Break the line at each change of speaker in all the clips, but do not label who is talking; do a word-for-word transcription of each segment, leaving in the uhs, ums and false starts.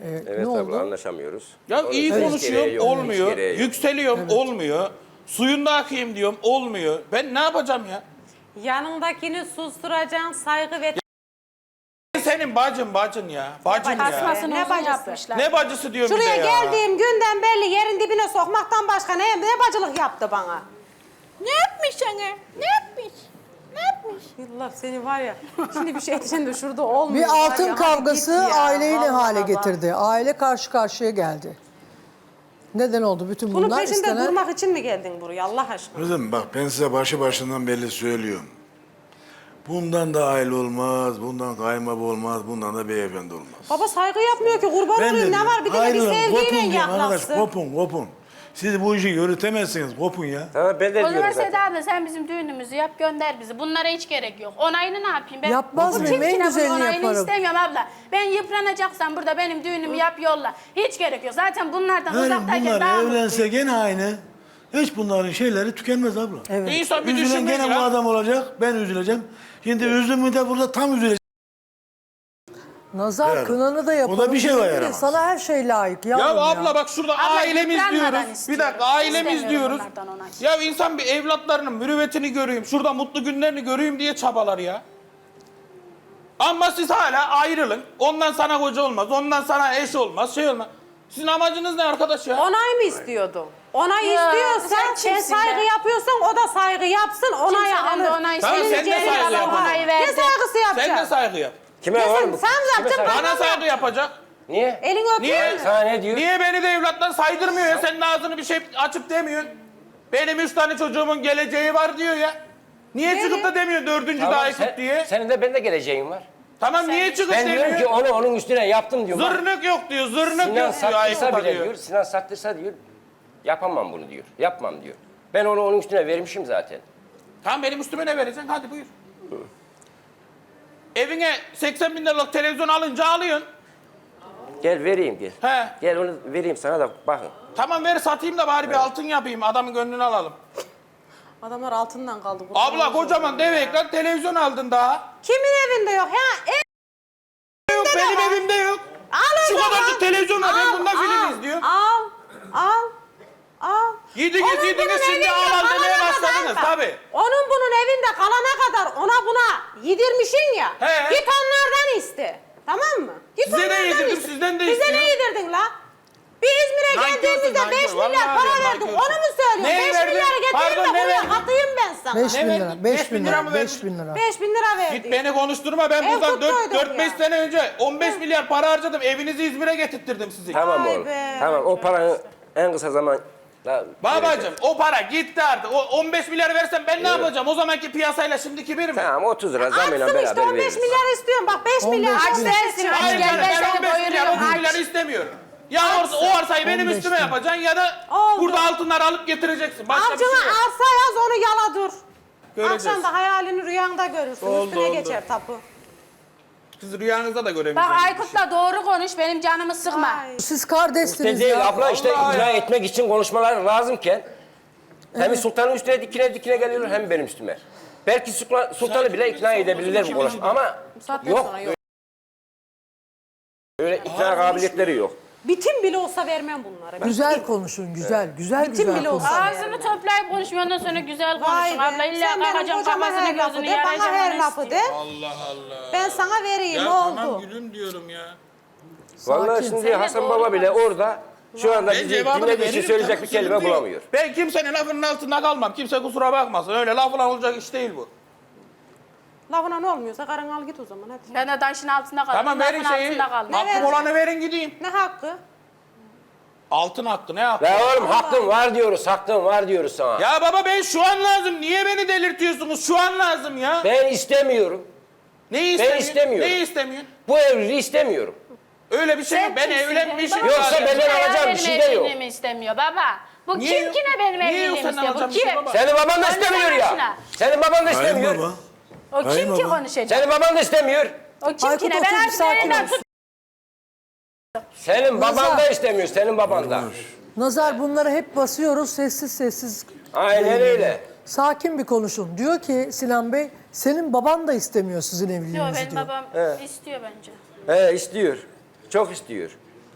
Ee,
Evet
ne
abla
oldu?
anlaşamıyoruz.
Ya
Onun
iyi
için hiç
konuşuyorum
gereği yok, hiç
olmuyor.
gereği yok.
Yükseliyorum olmuyor. Suyunda akayım diyorum olmuyor. Ben ne yapacağım ya?
Yanındakini susturacaksın, saygı ve...
Senin bacın bacın ya. Bacın ya.
Tasmasını
Ne
uzun
bacısı?
yapmışlar.
Ne bacısı diyorum bir de
Şuraya
ya.
geldiğim günden belli yerin dibine sokmaktan başka ne, ne bacılık yaptı bana?
Ne yapmış sana? Ne yapmış? Ne yapmış?
Allah seni var ya, şimdi bir şey diyeceğim de şurada olmuyor.
Bir
var
altın
ya, hadi
kavgası
git ya,
aileyi ne
vallahi
hale
bak.
getirdi? Aile karşı karşıya geldi. Neden oldu bütün
Bunun
bunlar?
peşinde
İstenen-
durmak için mi geldin buraya Allah aşkına?
Kızım bak ben size başı başından belli söylüyorum. Bundan da aile olmaz, bundan kaymabı olmaz, bundan da beyefendi olmaz.
Baba saygı yapmıyor ki kurban olayım ne var bir de bir
ayrılın, kopun
sevgiyle
diyorum arkadaş,
yaklaşsın.
kopun, kopun. Siz bu işi yürütemezsiniz, kopun ya.
Tamam ben de
O
diyorum
zaman
zaten.
Seda abla sen bizim düğünümüzü yap gönder bizi. Bunlara hiç gerek yok. Onayını ne yapayım ben?
Yapmaz
Bu
mıyım?
kim
En
ki ne bunun
güzelini
onayını
yaparım.
istemiyorum abla. Ben yıpranacaksam burada benim düğünümü yap yolla. Hiç gerek yok. Zaten bunlardan
Yani
uzaktayken
bunlar
daha
evlense
mutluyum.
gene aynı. Hiç bunların şeyleri tükenmez abla.
Evet.
İnsan bir
Üzülen
düşünmeli
gene bu
ya.
adam olacak, ben üzüleceğim. Şimdi üzümü de burada tam üzülecek.
Nazar
Yani.
kınanı da yapalım.
O da bir şey var
dedi de
yaramaz.
Sana her şey layık
Ya
yavrum ya.
abla bak şurada
Abla,
ailemiz
yıpranmadan
diyoruz. Bir
istiyorum.
dakika ailemiz
İstemiyorum
diyoruz.
onlardan onay.
Ya insan bir evlatlarının mürüvvetini göreyim. Şurada mutlu günlerini göreyim diye çabalar ya. Ama siz hala ayrılın. Ondan sana koca olmaz. Ondan sana eş olmaz. Şey olmaz. Sizin amacınız ne arkadaş ya?
Onay mı istiyordun? Onay
Ya,
istiyorsan
sen
sen
kimsin
saygı
be?
yapıyorsan o da saygı yapsın onayı
Kimseden
alır.
de onay
Tamam,
istemiyorum.
sen de
Celil
saygı
abla
yap.
onayı
Ne
verdi.
saygısı yapacaksın?
Sen de saygı yap.
Kime
Ya
var
sen-
mı?
sen
Kime
yapacaksın,
saygı-
Bana saygı yapacak.
Niye?
Elini öpüyor
Niye?
musun?
Sana ne diyor?
Niye beni de evlatlar saydırmıyor ya? Senin ağzını bir şey açıp demiyorsun. Benim üç tane çocuğumun geleceği var diyor ya. Niye çıkıp da demiyor dördüncü
Tamam,
daha Aykut
sen-
diye?
Senin de benim de geleceğim var.
Tamam niye çıkıp
Ben diyorum
demiyor?
ki onu onun üstüne yaptım diyor. Bak,
Zırnık yok diyor, zırnık
Sinan
yok diyor
sattıysa
Aykut'a
bile
diyor.
diyor. Sinan sattıysa diyor. Yapamam bunu diyor. Yapmam diyor. Ben onu onun üstüne vermişim zaten.
Tamam benim üstüme ne vereceksin? Hadi buyur. Evine seksen bin liralık televizyon alınca alıyorsun.
Gel vereyim gel.
He.
Gel onu vereyim sana da bakın.
Tamam ver satayım da bari bir altın yapayım. Adamın gönlünü alalım.
Adamlar altından kaldı. kurban
Abla
olsun.
kocaman dev ekran televizyon aldın daha.
Kimin evinde yok? Ha, ev
Yok benim
var.
evimde yok.
al o
Şu
zaman.
kadarcık televizyon var. Ben
Al,
bunda film
al,
izliyorum.
Al, al, al.
Yediniz
Onun
yediniz
bunun
şimdi
evinde
al al demeye
kalana
başladınız
kadar-
tabii.
Onun bunun evinde kalana kadar ona buna yedirmişsin ya.
He.
Git onlardan iste. Tamam mı? Git
Size de
onlardan
yedirdim,
iste.
sizden de
Bize
istiyorum.
ne yedirdin la? Bir İzmir'e
Nankörsün,
geldiğimizde
nankör.
beş milyar
Vallahi
para
diyorum,
verdik.
nankörsün.
Onu mu söylüyorsun?
Ne
beş
verdin?
milyarı getireyim
Pardon,
de
ne
buraya
verdin?
katayım ben sana.
Beş
Ne
bin
verdin?
lira,
Beş
beş
bin
bin
lira
lira,
mı
beş
verdin?
bin lira.
beş bin lira verdik.
Git beni konuşturma. Ben
Ev
buradan
tuttuyduk
dört beş
ya.
sene önce on beş milyar para harcadım. Evinizi İzmir'e getirttirdim sizi.
Tamam
Vay
oğlum.
be.
Tamam o paranı en kısa zaman...
Babacım o para gitti artık. O on beş milyar versem ben ne yapacağım? O zamanki piyasayla şimdiki bir mi?
Tamam otuz lira zamıyla
Atsın
beraber
işte on beş
veririz.
milyar istiyorum. Bak beş
on beş
milyar. Aç
milyar.
dersin. aç
Hayır
gel,
canım,
ben
ben
seni
on beş milyar
doyuruyorum.
otuz
Aç.
milyar istemiyorum. Ya orası, o arsayı benim
on beş
üstüme
bin.
yapacaksın ya da
Oldu.
burada altınları alıp getireceksin. Başka bir
Avcına
şey yok.
arsa yaz onu yala dur.
Göreceğiz.
Akşam da hayalini rüyanda görürsün.
Oldu,
Üstüne
oldu.
geçer tapu.
Siz rüyanızda da
Bak
göremeyeceksiniz.
Aykut'la doğru konuş benim canımı sıkma.
Ay.
Siz kardeşsiniz
İşte değil
ya.
abla işte
Vallahi
ikna
ya.
etmek için konuşmalar lazımken hem sultanın üstüne dikine dikine geliyorlar hem benim üstüme. Belki sultan, sultanı bile ikna edebilirler bu konuşma ama
saatten
yok.
sonra yok.
Öyle ikna kabiliyetleri yok.
Bitim bile olsa vermem bunlara.
Güzel konuşun, güzel, güzel
Bitim
güzel
bile
konuşun.
olsa.
Ağzını toplayıp konuşma ondan sonra güzel
Vay
konuşun.
be.
Abla illa
Sen benim
kalkacağım
kocama
kafasını
her lafı
gözünü
de, bana her
yarayacağım.
lafı de.
Allah Allah.
Ben sana vereyim
Ya
ne
tamam
oldu?
gülüm diyorum ya.
Vallahi
Sakin.
şimdi
Sen de
Hasan
doğru
Baba bile
konuş.
orada şu anda
Ben
bizi
cevabını
dinlediği için
veririm,
söyleyecek
tamam,
bir kelime
sıkıntı yok.
bulamıyor.
Ben kimsenin lafının altında kalmam. Kimse kusura bakmasın. Öyle lafla olacak iş değil bu.
Lafına ne olmuyorsa karın al git o zaman hadi.
Ben de taşın altında kaldım.
Tamam verin
lafın
şeyi.
altında kaldım.
Ne
Hakkım
verin?
olanı verin gideyim.
Ne hakkı?
Altın hakkı ne hakkı?
Ya oğlum hakkın var diyoruz, hakkın var diyoruz sana.
Ya baba ben şu an lazım. Niye beni delirtiyorsunuz? Şu an lazım ya.
Ben istemiyorum.
Neyi istemiyorsun?
istemiyorum.
Neyi istemiyorsun?
Bu evliliği istemiyorum.
Öyle bir şey yok. Ben
kimsin?
evlenmişim.
Benim
Yoksa
babam
benden
kim ya
alacağım bir
benim
şey de yok.
evliliğimi istemiyor baba. Bu
Niye
kim
yok?
ki ne benim
Niye yok
evliliğimi
senden
istiyor? Bu
alacağım bir şey
kim?
baba?
Senin baban da
Söyle
istemiyor
bana
ya.
şuna.
Senin baban da
Hayır
istemiyor.
baba.
O kim
Hayır
ki
baba.
konuşacak?
Senin baban da istemiyor.
O kim
Aykut
ki ne?
otur,
Ben
bir
artık
sakin
elinden
ol.
tut.
Senin baban
Nazar.
da istemiyor, senin baban da.
Nazar bunları hep basıyoruz sessiz sessiz.
Aynen öyle.
Sakin bir konuşun. Diyor ki Sinan Bey, senin baban da istemiyor sizin
Yok
evliliğinizi
benim
diyor.
babam istiyor bence.
He istiyor. Çok istiyor.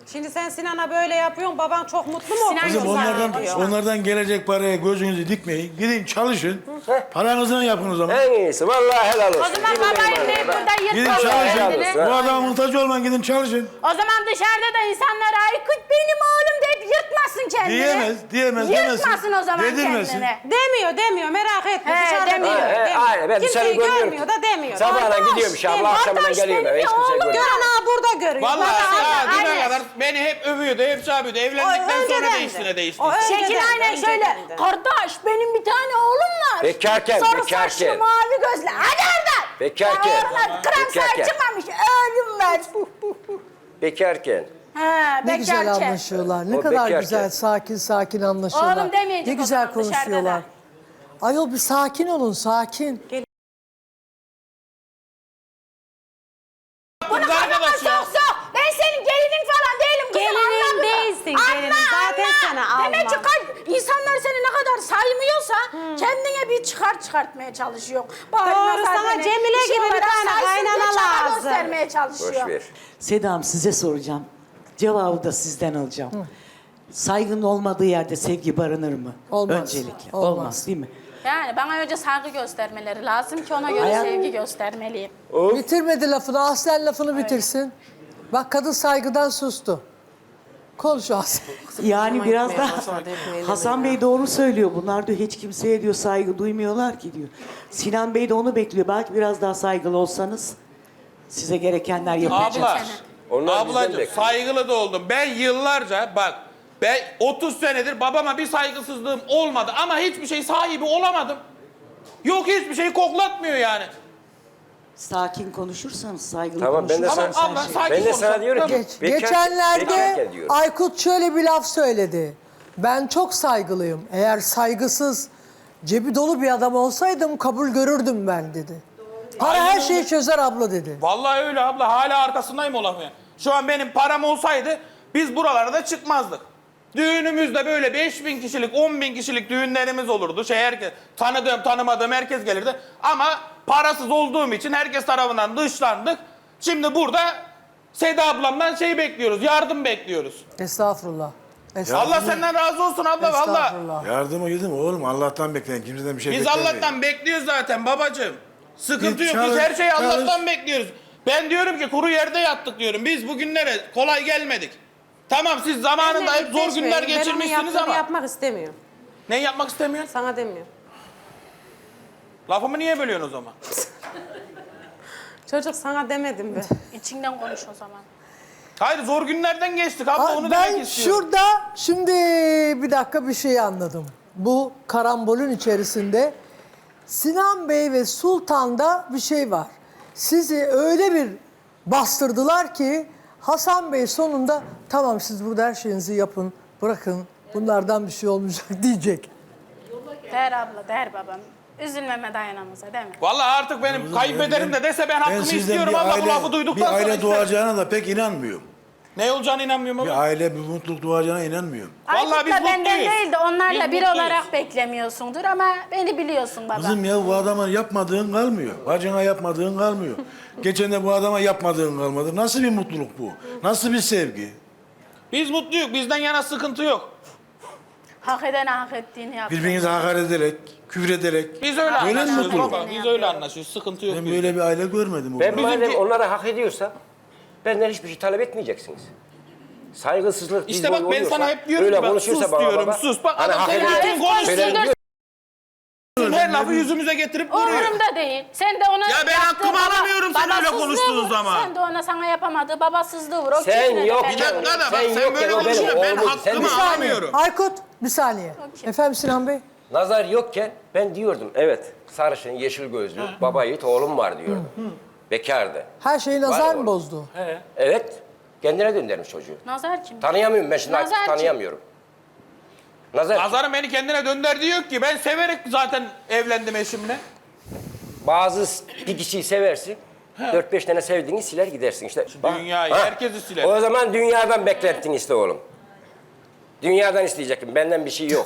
Şimdi sen Sinan'a böyle yapıyorsun, baban çok mutlu mu?
Sinan
Kızım
Güzel
onlardan,
diyor.
onlardan gelecek paraya gözünüzü dikmeyin. Gidin çalışın. Paranızdan yapın o zaman.
En iyisi vallahi helal olsun.
O zaman
Yemin ederim
babayı ne
bana.
burada
Gidin
yırtmaz
çalışın.
kendini.
Bu adama muhtaç olmayın, gidin çalışın.
O zaman dışarıda da insanlar Aykut benim oğlum deyip yırtmasın kendini.
Diyemez, diyemez, demesin.
Yırtmasın o zaman
Dedirmesin.
kendini.
Demiyor, demiyor. Merak etme.
He,
Dışarıda
demiyor.
demiyor.
He, he,
demiyor.
aynen, ben dışarı
Kimseyi
görmüyorum.
görmüyor da demiyor.
Sabahına
Kardeş,
gidiyormuş abla,
benim
akşamından
kardeş
geliyor eve.
benim
Hiç kimse
oğlum.
görmüyor.
Gören ha burada görüyor.
Vallahi
Bana-
daha düne
aynen.
kadar beni hep övüyordu, hep şey yapıyordu. Evlendikten
O
sonra
önceden
değişti
de.
ne değişti.
O önceden
Şekil
de,
aynen
önceden
şöyle.
de.
Kardeş benim bir tane oğlum var.
Bekarken,
Sarı
bekarken.
saçlı mavi gözlü. Hadi oradan.
Bekarken.
Ya oralar kıran
Bekarken.
saç çıkmamış. Ölüm var.
Bekarken.
Ha,
Ne güzel
bekarken.
anlaşıyorlar. Ne
O
kadar
bekarken.
güzel, sakin sakin anlaşıyorlar.
Oğlum demeyecek
Ne
o
güzel
zaman dışarıda
konuşuyorlar.
da.
Ayol bir sakin olun, sakin.
Bunu kafama
Arkadaş ya.
sok sok. Ben senin gelinin falan değilim kızım.
Gelinin
anladın mı?
değilsin, gelinin.
Anla,
Zaten
anla.
sana
Demek ki
almam.
kalp, insanlar seni ne kadar saymıyorsa kendine bir çıkar çıkartmaya çalışıyor. Bari
Doğru,
nazar
sana
beni
Cemile
işi
gibi bir
olarak
tane
saysın diye
kaynana
çaba
lazım.
göstermeye çalışıyor.
Boş ver.
Sedam size soracağım. Cevabı da sizden alacağım. Saygının olmadığı yerde sevgi barınır mı?
Olmaz.
Öncelikle.
Olmaz.
Olmaz, değil mi?
Yani bana önce saygı göstermeleri lazım ki ona göre
Hayat-
sevgi göstermeliyim.
Bitirmedi lafını, Aslen lafını bitirsin. Bak kadın saygıdan sustu. Konuş Aslen.
Yani biraz da Hasan Bey doğru söylüyor. Bunlar diyor hiç kimseye diyor saygı duymuyorlar ki diyor. Sinan Bey de onu bekliyor. Belki biraz daha saygılı olsanız size gerekenler yapılacak.
Abla,
Onlar bizden
ablacığım
bekliyor.
saygılı da oldum. Ben yıllarca bak, ben otuz senedir babama bir saygısızlığım olmadı ama hiçbir şey sahibi olamadım. Yok hiçbir şeyi koklatmıyor yani.
Sakin konuşursanız, saygılı
Tamam, ben de
konuşursanız
Tamam
sana-
abla
her şey-
sakin
Ben de sana
konuşalım.
diyorum ki
Tamam.
Geç,
bekar-
geçenlerde
bekarken diyorum.
Aykut şöyle bir laf söyledi. Ben çok saygılıyım. Eğer saygısız, cebi dolu bir adam olsaydım kabul görürdüm ben dedi. Para
Aynen
her
öyle.
şeyi çözer abla dedi.
Vallahi öyle abla, hala arkasındayım o lafın. Şu an benim param olsaydı biz buralara da çıkmazdık. Düğünümüzde böyle beş bin kişilik, on bin kişilik düğünlerimiz olurdu. Şey herkes, tanıdığım tanımadığım herkes gelirdi. Ama parasız olduğum için herkes tarafından dışlandık. Şimdi burada Seda ablamdan şey bekliyoruz, yardım bekliyoruz.
Estağfurullah. Estağfurullah.
Allah senden razı olsun abla valla.
Estağfurullah.
Yardıma gidin oğlum, Allah'tan bekleyin. Kimseden bir şey
Biz
beklemeyin.
Allah'tan bekliyoruz zaten babacığım. Sıkıntı
Git
yok, biz
çalış,
her şeyi
çalış.
Allah'tan bekliyoruz. Ben diyorum ki kuru yerde yattık diyorum. Biz bugünlere kolay gelmedik. Tamam siz zamanında hep zor günler geçirmişsiniz
Ben
ama.
yapmak istemiyorum.
Ne yapmak istemiyorsun?
Sana demiyorum.
Lafımı niye bölüyorsun o zaman?
Çocuk sana demedim be.
İçinden konuş o zaman.
Hayır zor günlerden geçtik abla,
Aa,
onu
ben
demek istiyorum.
şurada şimdi bir dakika bir şey anladım. Bu karambolün içerisinde Sinan Bey ve Sultan'da bir şey var. Sizi öyle bir bastırdılar ki Hasan Bey sonunda tamam siz burada her şeyinizi yapın, bırakın bunlardan bir şey olmayacak diyecek.
Der abla, der babam. Üzülmeme dayanamıza değil mi?
Vallahi artık benim kaybederim de dese ben
Ben
hakkımı
sizden
istiyorum
bir
abla,
aile,
bu lafı duyduktan
bir
sonra
aile
isterim.
doğacağına da pek inanmıyorum.
Ne olacağına inanmıyorum
Bir
ama.
aile, bir mutluluk doğacağına inanmıyorum.
Vallahi biz
Aykut'la benden
mutluyuz.
değil de onlarla
Biz
bir
mutluyuz.
olarak beklemiyorsundur ama beni biliyorsun baba.
Kızım ya bu adama yapmadığın kalmıyor. Bacına yapmadığın kalmıyor. Geçen de bu adama yapmadığın kalmadı. Nasıl bir mutluluk bu? Nasıl bir sevgi?
Biz mutluyuz, bizden yana sıkıntı yok.
Hak eden hak ettiğini yap.
Birbirinize hakaret ederek, küfür ederek.
Biz öyle
Böyle mi
anlaşıyoruz
mutluluk?
baba, biz öyle anlaşıyoruz, sıkıntı yok.
Ben
bizde.
böyle bir aile görmedim.
Ben
oğlum.
madem
Bizimki-
onlara hak ediyorsa benden hiçbir şey talep etmeyeceksiniz. Saygısızlık
İşte
biz
bak
boyu
ben
oluyorsa,
sana hep diyorum
öyle
ki bak
konuşursa
sus
baba
diyorum,
baba,
sus. Bak
hani
adam
hak
senin
ediyor-
bütün konuştuğun
Söylerim diyor.
her lafı yüzümüze getirip duruyor.
Umurumda değil. Sen de ona
Ya ben
yaptığı
hakkımı
baba-
alamıyorum sen öyle
babasızlığı
konuştuğun
vur.
zaman.
Sen de ona sana yapamadığı babasızlığı vur. O
Sen
küfür eder,
yok
ben
Bir
ya.
de-
dakika da bak
Sen
sen,
yokken
böyle
o benim
konuşuyorsun, ben
oğlum. Sen
hakkımı
bir saniye.
alamıyorum.
Aykut bir saniye. Efendim Sinan Bey?
Nazar yokken ben diyordum evet sarışın yeşil gözlü baba yiğit oğlum var diyordum. Bekardı.
Her şeyi nazar
Var
mı
oğlum.
bozdu?
Evet. Kendine döndürmüş çocuğu.
Nazar kim?
Tanıyamıyorum ben şimdi
Nazar
artık
kim?
tanıyamıyorum. Nazar
Nazar'ın beni kendine dönder diyor ki ben severek zaten evlendim eşimle.
bazı bir kişiyi seversin. Dört beş tane sevdiğini siler gidersin işte. Bak,
Dünyayı,
ha.
herkesi siler.
O zaman dünyadan beklettin işte oğlum. Dünyadan isteyecektim. Benden bir şey yok.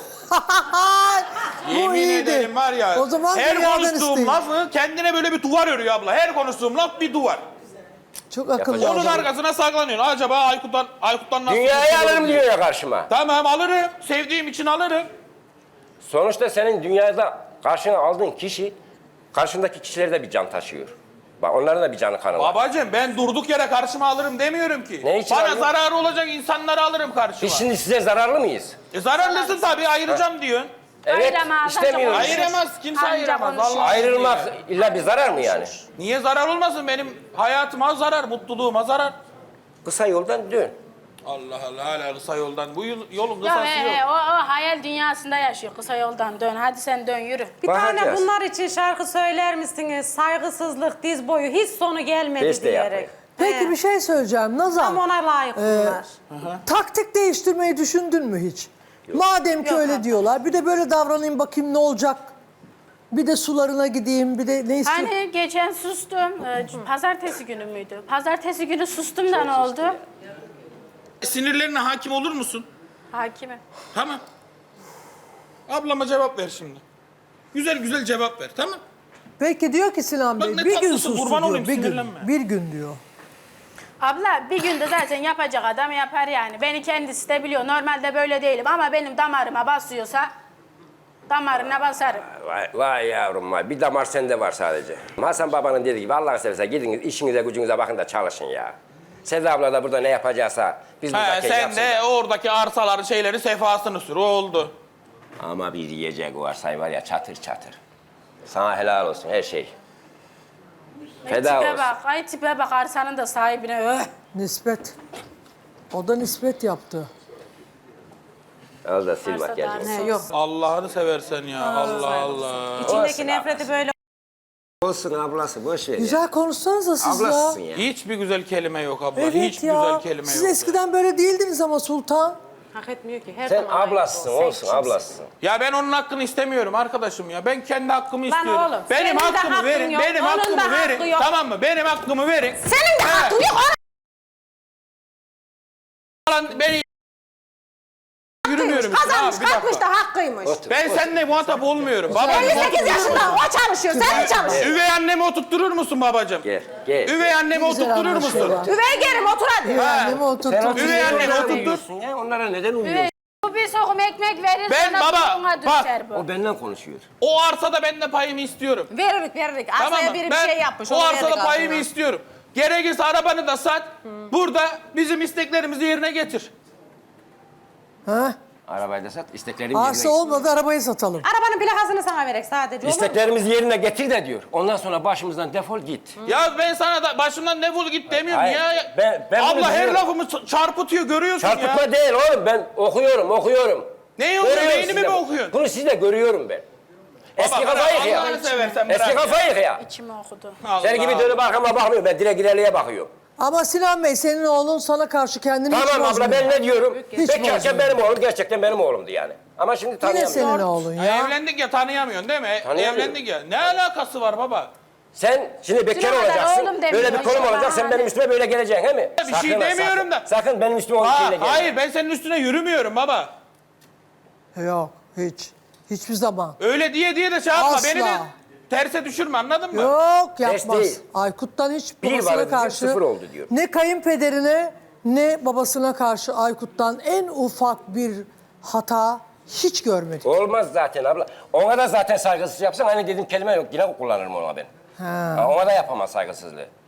Bu
Yemin
iyiydi.
ederim var ya.
O zaman
her
dünyadan
konuştuğum
isteyin.
lafı kendine böyle bir duvar örüyor abla. Her konuştuğum laf bir duvar.
Çok akıllı
Yapacak-
Onun
adam.
arkasına saklanıyorsun. Acaba Aykut'tan, Aykut'tan nasıl...
Dünyayı
kurtulurum
alırım
diye.
diyor ya karşıma.
Tamam alırım. Sevdiğim için alırım.
Sonuçta senin dünyada karşına aldığın kişi karşındaki kişileri de bir can taşıyor. Bak onların da bir canı kanı var.
Babacığım ben durduk yere karşıma alırım demiyorum ki.
Ne için
Bana
alıyorsun?
zararı olacak insanları alırım karşıma.
Biz şimdi size zararlı mıyız?
E zararlısın tabii ayıracağım diyorsun.
Evet,
Ayıramaz,
istemiyoruz.
ancak
Ayıramaz, kimse
Anca
ayıramaz.
konuşur.
Vallahi
Ayrılmak
billahi.
illa bir zarar mı yani?
Niye zarar olmasın? Benim hayatıma zarar, mutluluğuma zarar.
Kısa yoldan dön.
Allah Allah hala kısa yoldan. Bu yol- yolun
Ya
kısası
he,
yok.
he, o, o hayal dünyasında yaşıyor. Kısa yoldan dön. Hadi sen dön yürü.
Bir tane
Bakacağız.
bunlar için şarkı söyler misiniz? Saygısızlık, diz boyu hiç sonu gelmedi
Biz de
diyerek.
yapmayız.
Peki
He.
bir şey söyleyeceğim. Nazan.
Tam ona layık bunlar.
Taktik değiştirmeyi düşündün mü hiç? Madem ki
Yok
öyle
abi.
diyorlar. Bir de böyle davranayım bakayım ne olacak? Bir de sularına gideyim. Bir de ne istiyorsun?
Hani geçen sustum. Ee, Pazartesi günü müydü? Pazartesi günü sustum da ne oldu?
Sinirlerine hakim olur musun?
Hakime.
Tamam. Ablama cevap ver şimdi. Güzel güzel cevap ver, tamam?
Peki diyor ki Sinan
Bak
Bey
ne
bir gün
tatlısı,
sustu
kurban
diyor.
olayım,
Bir gün,
sinirlenme.
bir gün diyor.
Abla bir günde zaten yapacak adam yapar yani. Beni kendisi de biliyor. Normalde böyle değilim ama benim damarıma basıyorsa damarına basarım.
Vay, vay yavrum vay. Bir damar sende var sadece. Hasan babanın dediği gibi Allah'ını seversen gidin işinize gücünüze bakın da çalışın ya. Seda abla da burada ne yapacaksa biz
He,
buradaki
sen
yapsın.
de oradaki arsaların şeyleri sefasını sür, o oldu.
Ama bir yiyecek varsay var ya çatır çatır. Sana helal olsun her şey.
Ay
Feda
tipe
olsun.
bak, ay tipe bak arsanın da sahibine. Öh.
Nispet. O da nispet yaptı.
Al da sil
Varsa
bak gel.
da-
He, yok.
Allah'ını seversen ya, Allah Allah.
İçindeki
Olsun
nefreti böyle
Olsun ablası boş ver ya.
Güzel konuşsanıza siz
Ablasısın
ya.
ya.
Hiçbir güzel kelime yok abla,
Evet
hiçbir
ya.
güzel kelime
Siz
yok.
eskiden böyle değildiniz ama Sultan.
hak etmiyor ki. Her
Sen
zaman layık
ablasısın
ol. Sen
olsun
kimsin?
ablasısın.
Ya ben onun hakkını istemiyorum arkadaşım ya. Ben kendi hakkımı
Lan
istiyorum.
oğlum,
benim
senin de
hakkımı
hakkın
verin.
yok,
Benim
onun da
hakkımı
hakkı
verin.
yok.
Tamam mı? Benim hakkımı verin.
Senin de
He.
hakkın yok.
Lan beni yürümüyorum. işte.
Kazanmış,
Abi, bir dakika.
kalkmış da hakkıymış.
Otur,
Ben
otur.
seninle muhatap olmuyorum. Babam,
elli sekiz yaşında o çalışıyor, sen mi çalışıyorsun?
Üvey annemi oturtturur musun babacığım?
Gel gel.
Üvey annemi
Güzel
oturtturur
anlaşıyorlar.
musun?
Üvey gelim otur hadi.
Annemi oturttu.
Üvey annemi
Onlara
oturttur.
uyuyorsun ya, onlara neden uyuyorsun?
Evet. Bu bir sokum ekmek verir
Ben
sana
baba,
buna
bak,
düşer bu.
O benden konuşuyor.
O arsada ben de payımı istiyorum.
Veririk veririk.
Tamam
Arsaya
mı?
biri bir
Ben
şey yapmış.
o
onu
arsada
verdik
payımı
altına.
istiyorum. Gerekirse arabanı da sat. Burada bizim isteklerimizi yerine getir.
Ha?
Arabayı da sat, isteklerimizi
Arsa
yerine
olmadı arabayı satalım.
Arabanın plakasını sana verek sadece olur mu?
İsteklerimizi yerine getir de diyor. Ondan sonra başımızdan defol git.
Ya ben sana da başımdan defol git demiyorum
Hayır,
ya.
ben- ben bunu
Abla her
biliyorum.
lafımı ç- çarpıtıyor görüyorsun
Çarpıtma
ya.
değil oğlum, ben okuyorum, okuyorum.
Neyi okuyorsun?
Görüyorum
Beynimi
sizde
mi
bu.
okuyorsun?
Bunu sizde görüyorum ben. Eski
Baba,
kafayı
bırak,
ya.
Allah'ını seversen
Eski
bırak ya.
kafayı ya.
İçime okudu.
Allah
Senin gibi dönüp arkama bakmıyorum, ben direkt ileriye bakıyorum.
Ama Sinan Bey senin oğlun sana karşı kendini hiç
Tamam abla
bozmuyor.
ben ne diyorum?
Hiç
Bekarken
bozmuyor.
benim oğlum, gerçekten benim oğlumdu yani. Ama şimdi
Yine
tanıyamıyorum.
senin oğlun
Ha,
ya.
evlendik ya tanıyamıyorsun değil mi?
Tanıyamıyorum.
Evlendik ya. Ne alakası var baba?
Sen şimdi bekar
Şuna kadar
olacaksın,
oğlum demiyor,
böyle bir konum
maşallah,
olacak, sen
hadi.
benim üstüme böyle geleceksin he mi?
Bir şey
ha,
demiyorum
sakın.
da.
Sakın benim üstüme o
Ha,
şeyle gelme.
hayır ben senin üstüne yürümüyorum baba.
Yok hiç. Hiçbir zaman.
Öyle diye diye de şey yapma.
Asla.
Beni de terse düşürme anladın mı?
Yok
Ters
yapmaz.
değil.
Aykut'tan hiç
Bir
babasına
vardı diyor,
karşı
sıfır oldu diyor.
ne kayınpederine ne babasına karşı Aykut'tan en ufak bir hata hiç görmedik.
Olmaz zaten abla. Ona da zaten saygısız yapsan hani dedim kelime yok, yine kullanırım ona ben.
Ha.
Ha, ona da yapamaz saygısızlığı.